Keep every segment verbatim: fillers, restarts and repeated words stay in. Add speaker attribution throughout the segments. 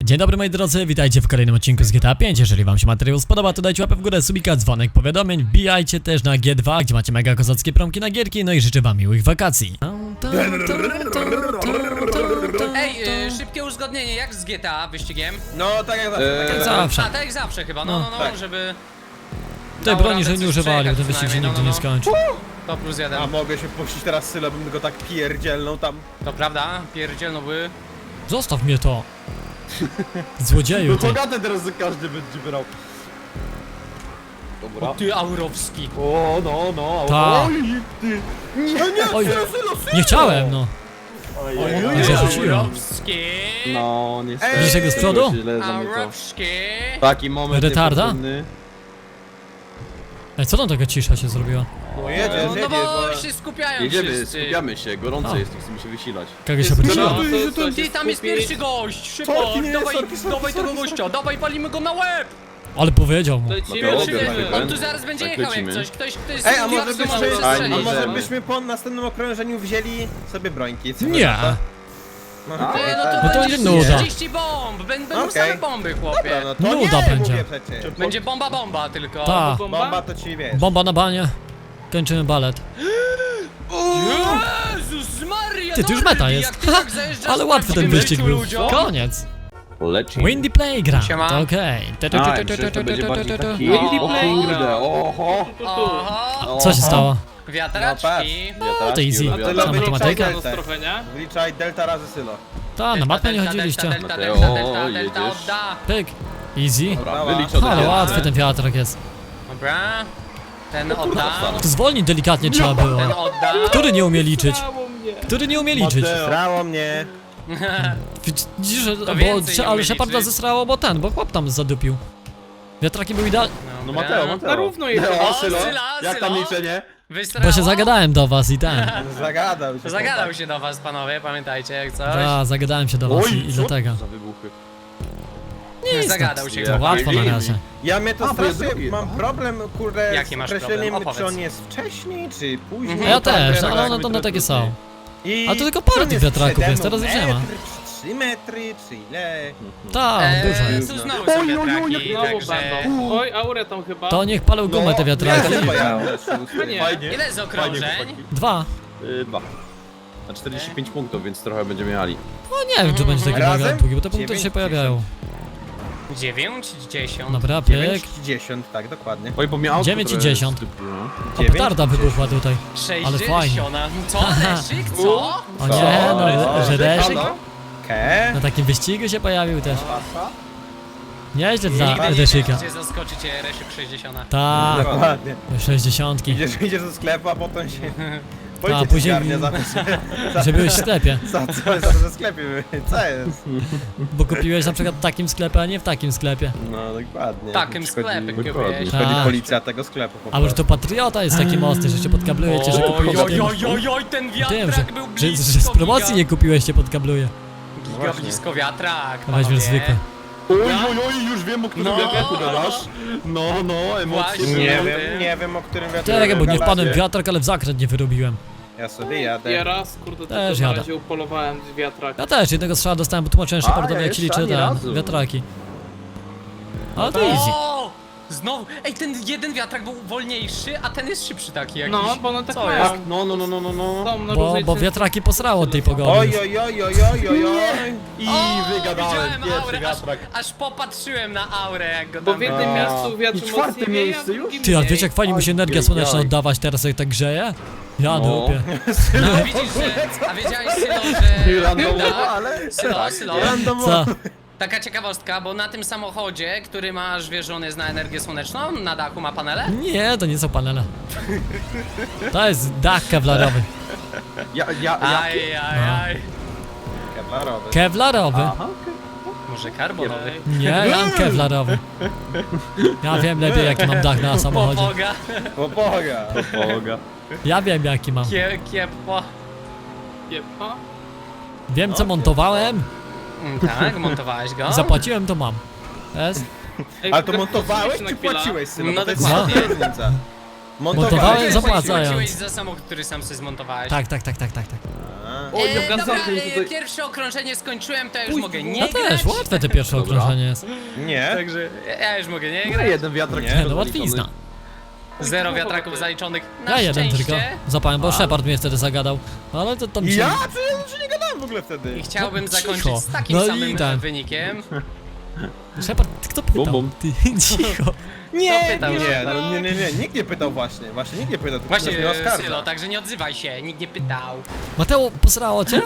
Speaker 1: Dzień dobry moi drodzy, witajcie w kolejnym odcinku z G T A pięć. Jeżeli wam się materiał spodoba, to dajcie łapę w górę, subika, dzwonek, powiadomień. Wbijajcie też na G dwa, gdzie macie mega kozackie promki na gierki. No i życzę wam miłych wakacji.
Speaker 2: Ej, y, szybkie uzgodnienie, jak z G T A wyścigiem?
Speaker 3: No tak jak zawsze.
Speaker 1: Jak
Speaker 3: tak jak
Speaker 1: zawsze.
Speaker 2: A, tak jak zawsze chyba, no, no, no,
Speaker 3: tak.
Speaker 2: żeby...
Speaker 1: Tej
Speaker 2: dało
Speaker 1: broni,
Speaker 2: radę
Speaker 1: że nie
Speaker 2: coś
Speaker 1: używali, bo ten
Speaker 2: przejechać
Speaker 1: wyścig się
Speaker 2: przynajmniej,
Speaker 1: nigdy
Speaker 2: no,
Speaker 1: nie
Speaker 2: no,
Speaker 1: skończy.
Speaker 2: To plus jeden.
Speaker 3: A mogę się puścić teraz Sylę, bym go tak pierdzielną tam.
Speaker 2: To prawda, pierdzielno by...
Speaker 1: Zostaw mnie to. Złodzieju ty.
Speaker 3: Bogatę teraz za każdy będzie brał. Dobra.
Speaker 2: Ty, Aurowski.
Speaker 3: O, no, no.
Speaker 1: Ta.
Speaker 3: Oj, ty. Nie, nie,
Speaker 1: Oj,
Speaker 3: Sylo, Sylo, Sylo.
Speaker 1: nie chciałem no.
Speaker 3: Oj,
Speaker 2: Oj,
Speaker 3: oj,
Speaker 1: Nie
Speaker 3: oj.
Speaker 1: zarzuciłem.
Speaker 2: Aurowski.
Speaker 4: No, niestety.
Speaker 3: Ej!
Speaker 1: Widzisz tego z przodu?
Speaker 4: Źle za mnie to.
Speaker 2: Aurowski.
Speaker 4: Taki moment
Speaker 1: Retarda?
Speaker 4: niefortunny.
Speaker 1: Ej, co tam taka cisza się zrobiła?
Speaker 3: No jedziesz,
Speaker 2: No, no
Speaker 3: jedziesz,
Speaker 2: bo
Speaker 3: bo...
Speaker 2: się skupiają
Speaker 4: Jedziemy,
Speaker 2: wszyscy.
Speaker 4: skupiamy się, gorąco
Speaker 1: A.
Speaker 4: jest, nie chcemy się wysilać.
Speaker 1: Kogo się obróciła?
Speaker 3: No, to- to- to-
Speaker 2: Ty, tam jest pierwszy gość, szybko,
Speaker 3: Sorki, nie,
Speaker 2: dawaj,
Speaker 3: sorki, sorki,
Speaker 2: dawaj tego
Speaker 3: sorki,
Speaker 2: gościa, dawaj, palimy go na łeb!
Speaker 1: Ale powiedział mu.
Speaker 4: No
Speaker 2: Pierwszy,
Speaker 4: to
Speaker 2: jest-
Speaker 4: obie,
Speaker 2: on
Speaker 4: tak,
Speaker 2: tu zaraz będzie
Speaker 4: tak
Speaker 2: jechał jak
Speaker 4: lecimy.
Speaker 2: coś, ktoś, ktoś
Speaker 3: Ej, a może
Speaker 2: może
Speaker 3: byśmy,
Speaker 4: Fajnie,
Speaker 3: a
Speaker 2: przestrzelić.
Speaker 3: może
Speaker 4: idziemy.
Speaker 3: byśmy po następnym okrążeniu wzięli sobie brońki? Co
Speaker 1: Nie.
Speaker 3: wy na to? No,
Speaker 4: A,
Speaker 3: okej,
Speaker 2: Nie, no
Speaker 3: tak.
Speaker 2: to
Speaker 1: No to
Speaker 2: będzie
Speaker 1: nie nuda.
Speaker 2: trzydzieści bomb, będą
Speaker 3: Okej.
Speaker 2: same bomby, chłopie.
Speaker 3: Dobra, no to
Speaker 1: Nuda
Speaker 3: nie,
Speaker 1: będzie.
Speaker 3: mówię przecież.
Speaker 2: Będzie bomba bomba tylko.
Speaker 1: Ta.
Speaker 3: Bomba to ci wiesz.
Speaker 1: Bomba na banie. Kończymy balet.
Speaker 2: Jezus Maria,
Speaker 1: Ty, tu już
Speaker 2: Norbi,
Speaker 1: meta jest.
Speaker 2: jak ty tak zajeżdżasz
Speaker 1: Ale
Speaker 2: na
Speaker 1: łatwy ten
Speaker 2: prawdziwym
Speaker 1: wyścig
Speaker 2: meczu
Speaker 1: był.
Speaker 2: ludziom.
Speaker 1: Koniec.
Speaker 4: Leci.
Speaker 1: Windy Playground.
Speaker 2: Siema.
Speaker 1: To okej. Tu, tu, tu,
Speaker 4: A,
Speaker 1: tu, tu,
Speaker 4: przecież to
Speaker 1: tu,
Speaker 4: będzie
Speaker 1: tu,
Speaker 4: bardziej
Speaker 1: tu, tu.
Speaker 4: taki...
Speaker 2: O,
Speaker 4: O kurde, oho.
Speaker 2: Oho,
Speaker 1: Co się stało?
Speaker 2: wiatraczki.
Speaker 1: No to easy.
Speaker 3: A
Speaker 4: wiatraczki,
Speaker 3: tyle
Speaker 1: Sama
Speaker 3: wyliczaj
Speaker 1: matematyka.
Speaker 3: deltę.
Speaker 5: trochę, nie?
Speaker 3: Wliczaj delta razy Sylo.
Speaker 1: Ta, na matmę nie
Speaker 2: Delta,
Speaker 1: chodziliście.
Speaker 2: Delta, delta,
Speaker 4: Mateo,
Speaker 2: delta, delta, delta,
Speaker 4: jedziesz.
Speaker 2: odda.
Speaker 1: Pyk. Easy.
Speaker 4: Dobra,
Speaker 3: Dobra.
Speaker 4: wyliczone.
Speaker 1: Ale
Speaker 4: wiele.
Speaker 1: łatwy ten wiatrak jest.
Speaker 2: Dobra. Ten odda.
Speaker 1: To zwolnić delikatnie trzeba
Speaker 2: Ten
Speaker 1: było.
Speaker 2: odda.
Speaker 1: Który nie umie liczyć?
Speaker 5: Brawo mnie.
Speaker 1: Który nie umie liczyć?
Speaker 3: Srało mnie.
Speaker 1: Widzisz, że- bo,
Speaker 2: więcej nie
Speaker 1: ale
Speaker 2: umie
Speaker 1: Sheparda
Speaker 2: liczyć.
Speaker 1: zesrało, bo ten, bo chłop tam zadupił. Wiatraki były idealne.
Speaker 4: No
Speaker 2: Dobra.
Speaker 4: Mateo, Mateo.
Speaker 5: Na równo jest.
Speaker 4: No,
Speaker 2: O,
Speaker 4: Sylo,
Speaker 2: Syla,
Speaker 4: jak tam
Speaker 2: Sylo.
Speaker 4: liczenie?
Speaker 2: Wysrało?
Speaker 1: Bo się zagadałem do was i ten.
Speaker 3: Zagadał się.
Speaker 2: Zagadał się do was, panowie, pamiętajcie, jak coś.
Speaker 1: Da, zagadałem się do was i, i
Speaker 4: co
Speaker 1: dlatego.
Speaker 4: za wybuchy.
Speaker 1: Nie jest
Speaker 2: Zagadał
Speaker 1: tak,
Speaker 2: się.
Speaker 1: to łatwo na razie.
Speaker 3: Ja mnie to
Speaker 4: A, bo jest
Speaker 3: strasznie,
Speaker 4: drugi.
Speaker 3: mam problem, kurde,
Speaker 2: Jaki
Speaker 3: z
Speaker 2: masz
Speaker 3: określeniem,
Speaker 2: problem?
Speaker 3: czy
Speaker 2: Opowiedz.
Speaker 3: on jest wcześniej, czy później.
Speaker 2: Mhm.
Speaker 1: Ja
Speaker 3: Tam
Speaker 1: też,
Speaker 3: wiadomo,
Speaker 1: ale
Speaker 3: jak
Speaker 1: one,
Speaker 3: mi
Speaker 1: one takie są.
Speaker 3: I
Speaker 1: A to tylko
Speaker 3: czy
Speaker 1: parę
Speaker 3: on
Speaker 1: tych
Speaker 3: jest
Speaker 1: wiatraków
Speaker 3: przede
Speaker 1: jest,
Speaker 3: mną
Speaker 1: teraz już nie ma.
Speaker 3: metr, czy trzy metry, czy ile?
Speaker 1: Tak, dużo
Speaker 2: Eee,
Speaker 1: jest.
Speaker 2: tu znowu są wiatraki,
Speaker 5: Znowu
Speaker 2: także...
Speaker 5: będą. Oj, aurę tam chyba.
Speaker 1: To niech palą gumę te wiatraki.
Speaker 3: Ja, ja,
Speaker 5: Nie.
Speaker 4: Fajnie.
Speaker 2: Ile jest okrążeń?
Speaker 1: Dwa.
Speaker 4: Y, Dwa. Na czterdzieści pięć punktów, więc trochę będziemy jechali.
Speaker 1: No nie wiem, czy będzie taki
Speaker 3: Razem?
Speaker 1: mega długi, bo te punkty
Speaker 3: Dziewięć,
Speaker 1: się pojawiają.
Speaker 2: dziewięć, dziesięć.
Speaker 1: Dobra, pyk.
Speaker 3: dziewięć i dziesięć, tak, dokładnie.
Speaker 4: Oj, bo miał
Speaker 1: dziewięć i dziesięć. O,
Speaker 3: dziewięć
Speaker 1: petarda
Speaker 3: i
Speaker 1: wybuchła tutaj. Ale fajnie.
Speaker 2: sześćdziesiąt. Co? Leszyk? Co?
Speaker 1: O nie, no, że Reszyk
Speaker 3: Ke?
Speaker 1: na takim wyścigu się pojawił też. Nieźle dla
Speaker 2: Nigdy nie
Speaker 1: Reszyka.
Speaker 2: gdzie zaskoczycie Reszyk sześćdziesiąt.
Speaker 1: Tak,
Speaker 3: Dokładnie.
Speaker 1: sześćdziesiątki.
Speaker 3: Idziesz, idziesz do sklepu, a potem się...
Speaker 1: A,
Speaker 3: Policja
Speaker 1: później-
Speaker 3: później... za, za,
Speaker 1: Że byłeś w sklepie.
Speaker 3: za, za, za, za sklepie były. Co jest?
Speaker 1: Bo kupiłeś na przykład w takim sklepie, a nie w takim sklepie.
Speaker 3: No, dokładnie.
Speaker 2: W takim
Speaker 3: Przychodzi-
Speaker 2: sklepie
Speaker 4: dokładnie.
Speaker 2: kupiłeś.
Speaker 3: Przychodzi
Speaker 1: A.
Speaker 3: policja tego sklepu po
Speaker 1: Albo że to
Speaker 3: prostu.
Speaker 1: patriota jest taki mocny, że cię podkabluje, cię, że kupiłeś
Speaker 2: Oj, oj,
Speaker 1: tym,
Speaker 2: oj, oj, oj, ten
Speaker 1: tym, że,
Speaker 2: wiatrak był
Speaker 1: że,
Speaker 2: blisko,
Speaker 1: że z promocji
Speaker 2: giga,
Speaker 1: nie kupiłeś, cię podkabluje.
Speaker 2: giga blisko wiatrak,
Speaker 1: No weź
Speaker 2: panowie.
Speaker 1: zwykle.
Speaker 4: Oj, oj, oj, już wiem, o którym
Speaker 2: No.
Speaker 4: wiatraku gadasz. No, no, emocje
Speaker 2: Właśnie.
Speaker 4: były.
Speaker 3: Nie
Speaker 2: Ty.
Speaker 3: wiem, nie wiem o którym wiatraku
Speaker 1: Czekaj, bo nie
Speaker 3: gadacie.
Speaker 1: wpadłem w wiatrak, ale w zakręt nie wyrobiłem.
Speaker 3: Ja sobie jadę.
Speaker 5: Ja raz, kurde,
Speaker 1: Też
Speaker 5: tylko na
Speaker 1: jadę.
Speaker 5: razie upolowałem z wiatraka.
Speaker 1: Ja też jednego strzała dostałem, bo tłumaczyłem
Speaker 4: A,
Speaker 1: Shepardowi
Speaker 4: ja
Speaker 1: jak się
Speaker 4: jeszcze
Speaker 1: liczy
Speaker 4: ani
Speaker 1: te
Speaker 4: razu.
Speaker 1: wiatraki. Ale to easy.
Speaker 2: O! Znowu, ej, ten jeden wiatrak był wolniejszy, a ten jest szybszy taki jakiś.
Speaker 5: No, bo no tak
Speaker 2: Co
Speaker 5: mają.
Speaker 2: jest?
Speaker 4: No, no, no, no, no, no.
Speaker 5: Są na
Speaker 1: Bo,
Speaker 5: różnej
Speaker 1: bo
Speaker 5: cenie.
Speaker 1: wiatraki posrało od tej pogody.
Speaker 3: Oj, oj, oj, oj, oj, oj, oj.
Speaker 4: I
Speaker 2: O,
Speaker 4: wygadałem,
Speaker 2: widziałem
Speaker 4: pierwszy
Speaker 2: aurę, aż,
Speaker 4: wiatrak.
Speaker 2: aż popatrzyłem na aurę, jak go
Speaker 5: Bo
Speaker 2: tam...
Speaker 5: w jednym
Speaker 3: A.
Speaker 5: miejscu wiatr
Speaker 4: I czwarte
Speaker 5: mocniej wieje, a
Speaker 4: miejsce
Speaker 5: w
Speaker 4: już?
Speaker 5: drugim
Speaker 1: Ty, a
Speaker 5: mniej.
Speaker 1: wiecie jak fajnie mi się energia
Speaker 4: Oj,
Speaker 1: słoneczna
Speaker 4: oj.
Speaker 1: oddawać teraz jak tak grzeje? Ja
Speaker 4: No.
Speaker 1: dupie.
Speaker 2: No, widzisz, że... A wiedziałeś, Sylo, że...
Speaker 4: Randomowo,
Speaker 2: Tak?
Speaker 4: ale...
Speaker 2: Sylo, Sylo.
Speaker 1: Co?
Speaker 2: Taka ciekawostka, bo na tym samochodzie, który masz, wiesz, że on jest na energię słoneczną, na dachu ma panele?
Speaker 1: Nie, to nie są panele. To jest dach kewlarowy.
Speaker 4: Ja, ja, ja...
Speaker 2: Aj, aj, aj.
Speaker 3: Kevlarowy.
Speaker 1: Kewlarowy?
Speaker 4: Aha, okej.
Speaker 2: Może karbonowy?
Speaker 1: Nie, ja mam kewlarowy. Ja wiem lepiej jaki mam dach na samochodzie.
Speaker 2: Popoga.
Speaker 3: O Boga.
Speaker 4: Boga.
Speaker 1: Ja wiem jaki mam.
Speaker 2: Kie, kiepo.
Speaker 5: Jepa.
Speaker 1: Wiem co montowałem
Speaker 2: Mm, Tak, montowałeś go?
Speaker 1: i zapłaciłem to mam. Jest?
Speaker 5: Ej,
Speaker 3: Ale to
Speaker 5: tak
Speaker 3: montowałeś
Speaker 5: na
Speaker 3: czy
Speaker 5: chwilę.
Speaker 3: płaciłeś, synu?
Speaker 2: No
Speaker 3: Bo to jest
Speaker 2: dokładnie.
Speaker 3: różnica.
Speaker 1: Montowałem,
Speaker 2: Ty
Speaker 1: zapłacając.
Speaker 2: płaciłeś za samochód, który sam sobie zmontowałeś.
Speaker 1: Tak, tak, tak, tak, tak, tak.
Speaker 3: A.
Speaker 4: O,
Speaker 2: E,
Speaker 4: dobra,
Speaker 2: dobra,
Speaker 4: zakręt
Speaker 2: e,
Speaker 4: tutaj.
Speaker 2: pierwsze okrążenie skończyłem, to ja już
Speaker 4: Uj,
Speaker 2: mogę nie
Speaker 1: Ja
Speaker 2: grać.
Speaker 1: też, łatwe te pierwsze
Speaker 4: Dobra.
Speaker 1: okrążenie jest.
Speaker 3: Nie.
Speaker 2: Także ja już mogę nie
Speaker 4: No,
Speaker 2: grać.
Speaker 4: jeden wiatrak.
Speaker 3: Nie,
Speaker 4: tylko
Speaker 1: No
Speaker 4: zaliczony.
Speaker 1: łatwizna.
Speaker 2: Zero wiatraków zaliczonych. Na
Speaker 1: Ja jeden
Speaker 2: szczęście.
Speaker 1: tylko. Zapałem, bo Shepard mnie wtedy zagadał. Ale to tam się...
Speaker 3: Ja? Przecież ja nie gadałem w ogóle wtedy.
Speaker 2: I chciałbym
Speaker 1: No,
Speaker 2: zakończyć
Speaker 1: cicho.
Speaker 2: z takim
Speaker 1: No i
Speaker 2: samym
Speaker 1: tak.
Speaker 2: wynikiem.
Speaker 1: Shepard, kto pytał?
Speaker 4: Bum, bum.
Speaker 1: Ty, cicho.
Speaker 3: Nie,
Speaker 2: Kto pytał,
Speaker 3: nie,
Speaker 2: że-
Speaker 3: no, nie, nie, nie, nikt nie pytał właśnie. Właśnie nikt nie pytał, tylko
Speaker 2: Właśnie,
Speaker 3: ktoś mnie oskarża.
Speaker 2: Sylo, także nie odzywaj się, nikt nie pytał.
Speaker 1: Mateo, posrało cię?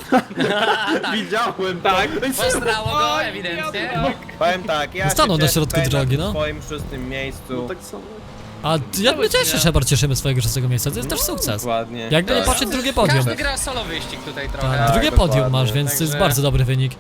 Speaker 4: Widziałem,
Speaker 5: Tak.
Speaker 2: Postrało go,
Speaker 5: Oj,
Speaker 2: ewidentnie.
Speaker 5: wiatrak.
Speaker 3: Powiem tak, ja
Speaker 1: Stanął
Speaker 3: się
Speaker 1: na
Speaker 3: cieszę
Speaker 1: środku
Speaker 3: tutaj
Speaker 1: drogi,
Speaker 3: na
Speaker 1: no.
Speaker 3: swoim szóstym miejscu.
Speaker 4: No tak samo.
Speaker 1: A ty- ja my też się, Shepard, cieszymy swojego szóstego miejsca, to jest też sukces.
Speaker 3: Dokładnie.
Speaker 1: Jakby nie
Speaker 3: Tak.
Speaker 1: patrzeć, drugie podium.
Speaker 2: Każdy gra solo wyścig tutaj trochę.
Speaker 1: Tak,
Speaker 3: Tak,
Speaker 1: drugie
Speaker 3: dokładnie.
Speaker 1: podium masz, więc to jest
Speaker 2: Także-
Speaker 1: bardzo dobry wynik.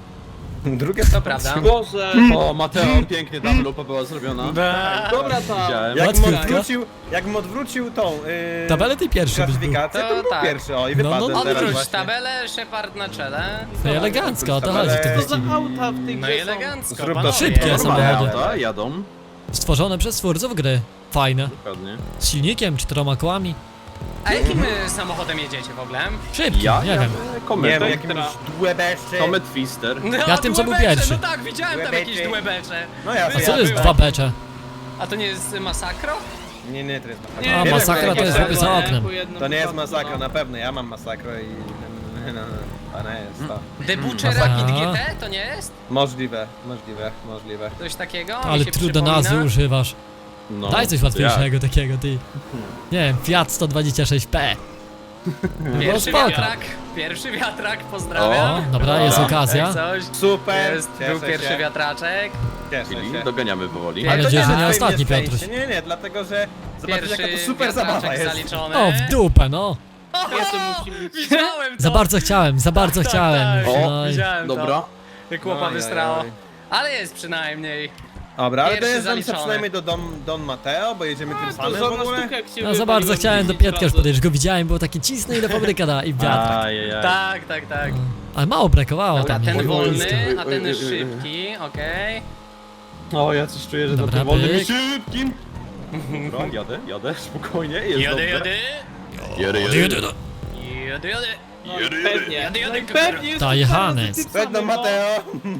Speaker 3: Drugie
Speaker 2: To prawda.
Speaker 5: Boże.
Speaker 4: O, Mateo, pięknie double lupa była zrobiona.
Speaker 5: Dobra tam.
Speaker 4: Widziałem.
Speaker 3: Jak mu
Speaker 1: Łatwiutka.
Speaker 3: odwrócił, jak mu odwrócił tą yy,
Speaker 1: Tabelę ty pierwszy byś był.
Speaker 3: klasyfikację, to,
Speaker 2: To
Speaker 3: był
Speaker 2: tak.
Speaker 3: pierwszy, o i
Speaker 1: No,
Speaker 3: wypadłem
Speaker 1: no,
Speaker 3: teraz
Speaker 2: Odwróć
Speaker 3: właśnie.
Speaker 2: tabelę, Shepard na czele.
Speaker 1: No i elegancko, o to chodzi w tym
Speaker 5: Co za
Speaker 1: wyścigu.
Speaker 5: auta w tej
Speaker 2: No
Speaker 5: grze
Speaker 2: i
Speaker 5: są?
Speaker 2: elegancko,
Speaker 3: Zrób to
Speaker 2: panowie.
Speaker 1: szybkie
Speaker 3: Normalne
Speaker 1: samochody.
Speaker 4: Auta jadą.
Speaker 1: Stworzone przez twórców gry. Fajne.
Speaker 4: Dokładnie.
Speaker 1: Z silnikiem, czteroma kołami.
Speaker 2: A jakim y, samochodem jedziecie w ogóle?
Speaker 1: Szybki,
Speaker 4: Ja
Speaker 1: nie wiem.
Speaker 3: Nie
Speaker 4: Komet.
Speaker 3: wiem,
Speaker 5: Elektra.
Speaker 3: jakimś dłebeszczy.
Speaker 4: Comet Twister.
Speaker 2: No,
Speaker 1: Ja tym, co był
Speaker 2: dłebecze,
Speaker 1: pierwszy.
Speaker 2: No tak, widziałem tam
Speaker 3: Dłebecze.
Speaker 2: jakieś dłebecze.
Speaker 3: No ja
Speaker 1: A co to jest dwa becze?
Speaker 2: A to nie jest masakro?
Speaker 3: Nie, nie, to jest masakra.
Speaker 5: Nie,
Speaker 1: A,
Speaker 3: Nie,
Speaker 1: masakra
Speaker 3: wiem,
Speaker 1: to jest
Speaker 3: jak-
Speaker 1: chłopie za oknem.
Speaker 5: Po jednym
Speaker 3: To nie jest
Speaker 5: wypadku,
Speaker 3: masakra,
Speaker 5: no.
Speaker 3: na pewno, ja mam masakro i... No, no, no, to nie jest to.
Speaker 2: Debucze
Speaker 1: Aha.
Speaker 2: Rapid G T to nie jest?
Speaker 3: Możliwe, możliwe, możliwe.
Speaker 2: Coś takiego? Mi
Speaker 1: Ale
Speaker 2: się
Speaker 1: trudno
Speaker 2: przypomina.
Speaker 1: nazwy używasz.
Speaker 4: No,
Speaker 1: Daj coś
Speaker 4: to
Speaker 1: łatwiejszego takiego, ty. Nie wiem, Fiat sto dwadzieścia sześć P.
Speaker 2: Pierwszy
Speaker 1: No spoko.
Speaker 2: wiatrak, pierwszy wiatrak, pozdrawiam.
Speaker 1: O, dobra, jest
Speaker 4: Dobra.
Speaker 1: okazja.
Speaker 2: Jak coś.
Speaker 3: Super,
Speaker 2: Jest,
Speaker 3: cieszę
Speaker 2: był pierwszy
Speaker 3: się,
Speaker 2: wiatraczek.
Speaker 3: cieszę
Speaker 4: Czyli
Speaker 3: się.
Speaker 4: doganiamy powoli.
Speaker 2: Mam
Speaker 1: Mam
Speaker 3: to
Speaker 1: nadzieję, że
Speaker 3: na
Speaker 1: nie
Speaker 3: twoim
Speaker 1: ostatni,
Speaker 3: nieszczęście.
Speaker 1: Piotruś.
Speaker 3: Nie, nie, dlatego że zobaczysz jaka
Speaker 2: Pierwszy
Speaker 3: to super zabawa
Speaker 2: wiatraczek
Speaker 3: jest.
Speaker 2: zaliczony.
Speaker 1: O, w dupę, no.
Speaker 5: Jeszcze musi być.
Speaker 2: Widziałem to.
Speaker 1: Za bardzo chciałem, za bardzo
Speaker 2: Tak,
Speaker 1: chciałem.
Speaker 2: tak.
Speaker 4: O,
Speaker 1: No i-
Speaker 2: Widziałem
Speaker 4: Dobra.
Speaker 2: to. Jak chłopa
Speaker 3: Oj, oj,
Speaker 2: wystrało.
Speaker 3: oj.
Speaker 2: Ale jest przynajmniej.
Speaker 3: Dobra, ale
Speaker 2: Pierwszy
Speaker 3: dojeżdżam się
Speaker 2: zaliczony.
Speaker 3: przynajmniej do Don, Don Mateo, bo jedziemy tym
Speaker 5: To
Speaker 3: samym w
Speaker 5: żadna
Speaker 3: ogóle.
Speaker 5: sztuka, jak się
Speaker 1: No za
Speaker 5: wywaliłem
Speaker 1: bardzo chciałem do
Speaker 5: dziesięć
Speaker 1: Pietka już
Speaker 5: razy.
Speaker 1: podejść, go widziałem, było takie cisne ile fabryka da i wiatrak.
Speaker 4: Ajajaj.
Speaker 2: Tak, tak, tak.
Speaker 1: Ale mało brakowało
Speaker 2: Dobra,
Speaker 1: tam.
Speaker 2: ten
Speaker 1: nie?
Speaker 2: wolny,
Speaker 4: oj,
Speaker 2: a
Speaker 4: oj,
Speaker 2: ten
Speaker 4: oj, oj, oj.
Speaker 2: szybki, okej.
Speaker 4: O, ja coś czuję, że
Speaker 1: Dobra,
Speaker 4: za tym wolnym
Speaker 1: pyk.
Speaker 4: i szybkim. Dobra, jadę, jadę, spokojnie, jest
Speaker 2: Jadę,
Speaker 4: dobrze.
Speaker 2: jadę.
Speaker 4: Jadę,
Speaker 1: Jadę,
Speaker 4: jadę.
Speaker 1: jadę.
Speaker 2: Jadę, jadę.
Speaker 5: No, pewnie.
Speaker 2: Jadę, jadę,
Speaker 5: No i pewnie jest
Speaker 1: Ta
Speaker 5: to
Speaker 1: Johannes.
Speaker 5: zaraz
Speaker 3: Red Don
Speaker 5: tym samym,
Speaker 3: Mateo.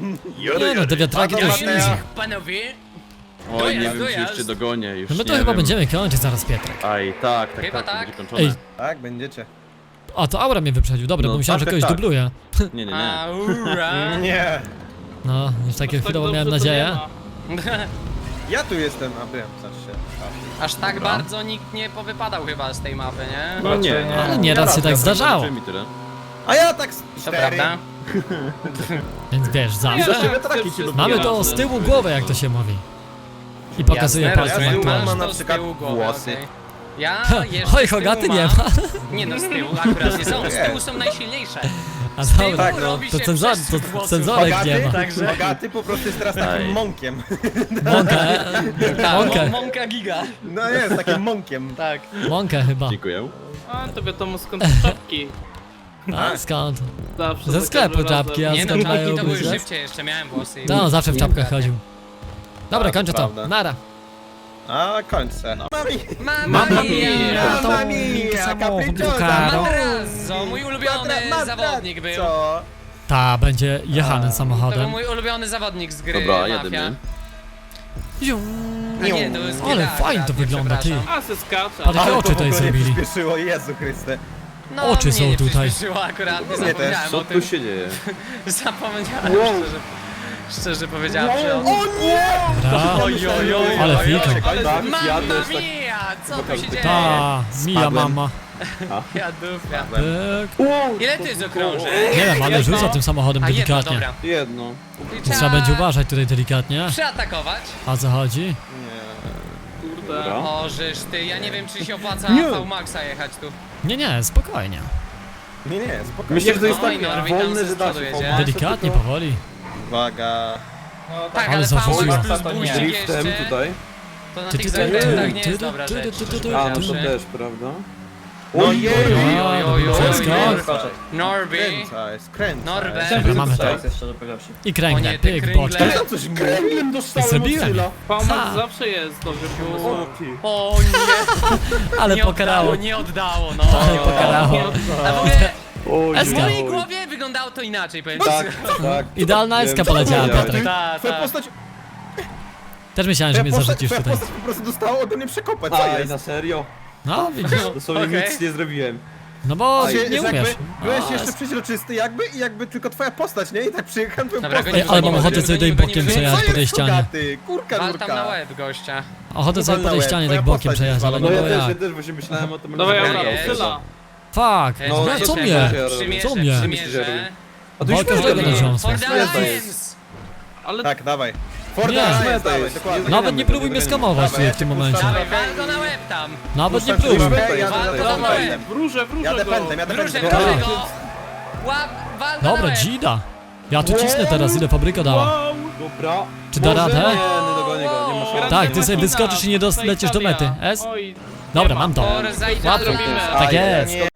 Speaker 1: Nie no, te wiatraki to już
Speaker 3: Mateo.
Speaker 1: easy.
Speaker 2: Panowie,
Speaker 4: Oj, nie
Speaker 2: Dojazd,
Speaker 4: wiem, czy już
Speaker 2: dojazd.
Speaker 4: cię dogonię, już
Speaker 1: No my to
Speaker 4: nie
Speaker 1: chyba
Speaker 4: wiem.
Speaker 1: będziemy kończyć zaraz, Pietrek.
Speaker 4: Aj, tak, tak,
Speaker 2: Chyba
Speaker 4: tak, to
Speaker 2: tak.
Speaker 4: będzie kończone.
Speaker 1: Ej.
Speaker 3: Tak, będziecie.
Speaker 1: A, to Aura mnie wyprzedził, dobra,
Speaker 4: No,
Speaker 1: bo myślałem,
Speaker 4: tak,
Speaker 1: że kogoś
Speaker 4: tak, tak.
Speaker 1: dubluje.
Speaker 4: Nie, nie, nie.
Speaker 2: aura.
Speaker 3: Nie.
Speaker 1: No, już takie
Speaker 5: tak
Speaker 1: chwilowo
Speaker 5: dobrze
Speaker 1: miałem
Speaker 5: to
Speaker 1: nadzieję.
Speaker 5: nie ma.
Speaker 3: Ja tu jestem, a byłem, znaczy się.
Speaker 2: Aż tak bardzo nikt nie powypadał chyba z tej mapy, nie?
Speaker 4: No nie, nie.
Speaker 1: Ale nieraz się tak
Speaker 4: Ja
Speaker 1: zdarzało.
Speaker 4: zobaczyłem i tyle.
Speaker 3: A ja tak z
Speaker 2: To
Speaker 3: cztery.
Speaker 2: prawda.
Speaker 1: Więc wiesz,
Speaker 5: Ja
Speaker 1: zawsze
Speaker 4: Zawsze
Speaker 5: tak
Speaker 4: wiatraki
Speaker 5: chcę
Speaker 4: ci
Speaker 5: wszystkie
Speaker 1: mamy to
Speaker 5: razy.
Speaker 1: z tyłu głowy, jak to się mówi. I pokazuje
Speaker 2: Jasne,
Speaker 1: palcem
Speaker 3: ja
Speaker 2: rozumiem,
Speaker 3: mam
Speaker 1: aktualnie.
Speaker 3: na
Speaker 2: masz to z
Speaker 3: przykład
Speaker 2: tyłu głowy,
Speaker 3: włosy.
Speaker 2: okej. Ja jeszcze
Speaker 1: Oj,
Speaker 2: z tyłu
Speaker 1: Hogaty nie
Speaker 2: mam-
Speaker 1: ma.
Speaker 2: Nie no, z tyłu akurat nie są, z tyłu są najsilniejsze.
Speaker 1: A
Speaker 2: Z tyłu
Speaker 1: dobra,
Speaker 3: Tak, no.
Speaker 2: robi
Speaker 1: to
Speaker 2: się
Speaker 1: cenzor,
Speaker 2: przestrzyk
Speaker 1: to
Speaker 2: włosów.
Speaker 1: cenzorek nie
Speaker 3: Bogaty,
Speaker 1: ma.
Speaker 2: Także-
Speaker 3: bogaty po prostu jest teraz takim
Speaker 4: Aj.
Speaker 3: monkiem.
Speaker 1: Mąkę, e,
Speaker 2: Tak,
Speaker 1: mąkę,
Speaker 2: mo- Monka giga.
Speaker 3: No jest, takim monkiem.
Speaker 2: Tak.
Speaker 1: mąkę chyba.
Speaker 4: Dziękuję.
Speaker 5: A, to wiadomo skąd te czapki.
Speaker 1: A skąd?
Speaker 5: Zawsze
Speaker 1: Ze
Speaker 5: za
Speaker 1: sklepu
Speaker 5: każdym razem.
Speaker 1: czapki, a
Speaker 2: Nie no,
Speaker 1: skąd
Speaker 2: czapki
Speaker 1: mają
Speaker 2: to były
Speaker 1: być?
Speaker 2: szybciej, jeszcze miałem włosy. i-
Speaker 1: No, zawsze w czapkach chodził. Dobra,
Speaker 3: Tak,
Speaker 1: kończę to.
Speaker 3: prawda.
Speaker 1: Nara.
Speaker 3: A kończę. Mami.
Speaker 2: Mamma
Speaker 1: Mamma
Speaker 2: mia!
Speaker 1: mia!
Speaker 3: Mamma mia,
Speaker 1: Samochód,
Speaker 3: capricciosa.
Speaker 1: Caro.
Speaker 2: Matrazzo, mój ulubiony zawodnik był.
Speaker 3: Co?
Speaker 1: Ta, będzie jechanym
Speaker 2: To był
Speaker 1: samochodem.
Speaker 2: mój ulubiony zawodnik z gry
Speaker 4: Dobra,
Speaker 2: Mafia.
Speaker 4: jedziemy.
Speaker 1: Ziu.
Speaker 2: A nie, to jest
Speaker 1: Ale
Speaker 2: Gila,
Speaker 1: fajnie to
Speaker 2: akurat, nie,
Speaker 1: wygląda, ty.
Speaker 2: przepraszam.
Speaker 5: A, se skacze.
Speaker 1: Ale jakie
Speaker 3: Ale
Speaker 1: oczy
Speaker 3: to w
Speaker 1: tutaj
Speaker 3: ogóle nie
Speaker 1: zrobili.
Speaker 3: przyspieszyło, Jezu Chryste.
Speaker 2: No,
Speaker 1: Oczy
Speaker 2: mnie
Speaker 1: są
Speaker 2: nie
Speaker 1: tutaj.
Speaker 2: przyspieszyło akurat, nie
Speaker 3: Mnie też.
Speaker 2: zapomniałem
Speaker 4: Co
Speaker 2: o
Speaker 4: tu
Speaker 2: tym.
Speaker 4: się dzieje?
Speaker 2: Zapomniałem, szczerze, szczerze powiedziawszy. O,
Speaker 1: Dobra.
Speaker 2: oj, oj, oj,
Speaker 1: Ale
Speaker 2: oj,
Speaker 1: fika.
Speaker 2: oj.
Speaker 4: Ale tak,
Speaker 2: Mamma
Speaker 4: ja też tak...
Speaker 2: mia! Co tu się dzieje?
Speaker 1: Ta, mija
Speaker 4: Spadłem.
Speaker 1: mama.
Speaker 2: Ja dupia.
Speaker 1: Pyk.
Speaker 2: Ile ty jest okrążeń?
Speaker 1: Nie wiem, ale rzuca tym samochodem
Speaker 2: A jedno,
Speaker 1: delikatnie.
Speaker 2: dobra.
Speaker 4: Jedno.
Speaker 2: I
Speaker 1: Trzeba będzie uważać tutaj delikatnie.
Speaker 2: Przeatakować.
Speaker 1: A co chodzi?
Speaker 3: Nie.
Speaker 5: Kurde.
Speaker 4: Dobra.
Speaker 2: O, żeż ty, ja nie wiem czy się opłaca
Speaker 3: Nie.
Speaker 2: V-Maxa jechać tu.
Speaker 1: Nie, nie, spokojnie.
Speaker 3: Nie, nie, spokojnie.
Speaker 4: Myślę, że to jest
Speaker 2: Oj,
Speaker 4: tak
Speaker 2: Norwi tam
Speaker 4: wolny,
Speaker 2: ze
Speaker 4: że da
Speaker 2: przodu
Speaker 4: się
Speaker 2: jedzie.
Speaker 4: pomóc.
Speaker 1: Delikatnie, powoli.
Speaker 3: Uwaga.
Speaker 2: Tak,
Speaker 1: Ale
Speaker 2: ale
Speaker 1: zarzuciło.
Speaker 2: V-Max plus
Speaker 3: To nie.
Speaker 2: buźnik
Speaker 4: Driftem
Speaker 2: jeszcze,
Speaker 4: tutaj.
Speaker 2: to na
Speaker 1: Ty,
Speaker 2: tych
Speaker 1: ty, ty,
Speaker 2: zakrętach
Speaker 1: ty,
Speaker 2: nie
Speaker 1: ty,
Speaker 2: jest dobra
Speaker 1: ty,
Speaker 2: rzecz.
Speaker 1: ty, ty, ty,
Speaker 2: szczerze
Speaker 4: A, no to
Speaker 2: powiedziawszy.
Speaker 4: też, prawda?
Speaker 3: No jej!
Speaker 2: oj, oj, oj,
Speaker 1: Wszystko?
Speaker 2: oj. Norby.
Speaker 3: Skręcaj, skręcaj.
Speaker 2: Norbert.
Speaker 1: Dobra, mamy to.
Speaker 6: Jeszcze powiedziawszy.
Speaker 1: I
Speaker 2: O
Speaker 1: kręgle,
Speaker 2: nie, te
Speaker 1: pyk,
Speaker 2: kręgle.
Speaker 1: boczka.
Speaker 3: Tam coś kręglem dostałem
Speaker 1: Zrobiłem.
Speaker 3: od Syla.
Speaker 5: Pomoc
Speaker 1: Ha.
Speaker 5: zawsze jest dobrze pomysł.
Speaker 2: O nie,
Speaker 1: Ale
Speaker 2: nie
Speaker 1: pokarało.
Speaker 2: oddało, nie oddało, no.
Speaker 1: Ale pokarało.
Speaker 2: A w ogóle w
Speaker 1: Eska.
Speaker 2: mojej głowie wyglądało to inaczej, powiem ci.
Speaker 4: Tak, tak.
Speaker 1: Idealna eska
Speaker 4: Wiem,
Speaker 1: poleciała,
Speaker 4: co
Speaker 1: Piotrek.
Speaker 2: Tak,
Speaker 3: Twoja
Speaker 2: tak.
Speaker 3: postać,
Speaker 1: Też myślałem, że
Speaker 3: twoja
Speaker 1: mnie
Speaker 3: postać,
Speaker 1: zarzucisz
Speaker 3: twoja
Speaker 1: tutaj.
Speaker 3: postać po prostu dostała ode mnie przekopać, co
Speaker 4: Aj,
Speaker 3: jest?
Speaker 4: na serio?
Speaker 1: No, widzisz.
Speaker 4: Dosłownie
Speaker 2: Okej.
Speaker 4: nic nie zrobiłem.
Speaker 1: No bo
Speaker 3: Się-
Speaker 1: nie
Speaker 3: że jakby
Speaker 1: umiesz.
Speaker 3: Byłeś
Speaker 1: A,
Speaker 3: jeszcze przeźroczysty jakby i jakby tylko twoja postać, nie? I tak przyjechałem twoją
Speaker 2: Dobra,
Speaker 3: postać.
Speaker 1: Ej, ale mam
Speaker 2: Gonimy,
Speaker 1: ochotę
Speaker 2: gonimy,
Speaker 1: sobie tutaj
Speaker 2: gonimy,
Speaker 1: bokiem
Speaker 2: gonimy.
Speaker 1: przejechać
Speaker 3: Co
Speaker 1: po tej
Speaker 3: jest,
Speaker 1: ścianie.
Speaker 3: Kurgaty? Kurka,
Speaker 2: Wal tam na
Speaker 3: nurka.
Speaker 2: łeb, gościa.
Speaker 1: Ochotę sobie po tej
Speaker 3: Walnąłem,
Speaker 1: ścianie
Speaker 3: twoja
Speaker 1: tak bokiem
Speaker 3: postać
Speaker 1: przejechać, ale
Speaker 3: jest
Speaker 1: no
Speaker 4: No
Speaker 1: bo
Speaker 4: ja też,
Speaker 1: ja.
Speaker 4: ja też właśnie myślałem o tym.
Speaker 5: Dawaj,
Speaker 4: ale
Speaker 5: Aura,
Speaker 2: jest.
Speaker 5: Syla.
Speaker 1: Fuck,
Speaker 2: Ej,
Speaker 1: no,
Speaker 2: przymierzę,
Speaker 1: co mnie?
Speaker 2: Przymierzę,
Speaker 1: Co mnie?
Speaker 2: przymierzę.
Speaker 4: A to
Speaker 1: Bo
Speaker 4: już
Speaker 1: każdego
Speaker 4: pewnie.
Speaker 1: na ziomstwo.
Speaker 2: For the
Speaker 4: Jest, to
Speaker 2: Alliance!
Speaker 5: Ale
Speaker 3: Tak, dawaj. Ford
Speaker 1: Nie.
Speaker 3: Alliance,
Speaker 4: To
Speaker 3: dawaj,
Speaker 4: jest.
Speaker 3: dokładnie.
Speaker 1: Nawet nie próbuj mnie skamować
Speaker 3: Dawaj, ja
Speaker 1: w tym
Speaker 3: cię
Speaker 1: momencie.
Speaker 3: puszczam.
Speaker 2: Dawaj, wal go na łeb tam!
Speaker 1: Nawet nie
Speaker 3: Puszczam
Speaker 1: próbuj.
Speaker 3: śrubę,
Speaker 4: Jadę,
Speaker 3: jadę
Speaker 2: jadę,
Speaker 3: za- za-
Speaker 2: jadę.
Speaker 3: za-
Speaker 5: wróżę, wróżę
Speaker 3: Jadę
Speaker 5: go.
Speaker 3: pędem, jadę
Speaker 2: Wróżę,
Speaker 3: pędem.
Speaker 2: wróżę
Speaker 1: Tak.
Speaker 2: go! Łap, wal go na
Speaker 1: Dobra,
Speaker 2: łeb!
Speaker 1: dzida. Ja tu cisnę teraz, ile fabryka dała.
Speaker 5: Wow.
Speaker 4: Dobra.
Speaker 1: Czy da
Speaker 4: Może?
Speaker 1: radę?
Speaker 4: Nie, nie dogonię go, nie ma szans.
Speaker 1: Tak, ty sobie
Speaker 5: Machina,
Speaker 1: wyskoczysz i nie dos-
Speaker 5: Forza
Speaker 1: lecisz do mety.
Speaker 5: Italia.
Speaker 1: S?
Speaker 5: Oj,
Speaker 1: Dobra,
Speaker 5: nie ma.
Speaker 1: mam to.
Speaker 2: Forza Italia.
Speaker 1: Łatwo.
Speaker 5: Zrobimy.
Speaker 1: Tak jest.
Speaker 3: Nie.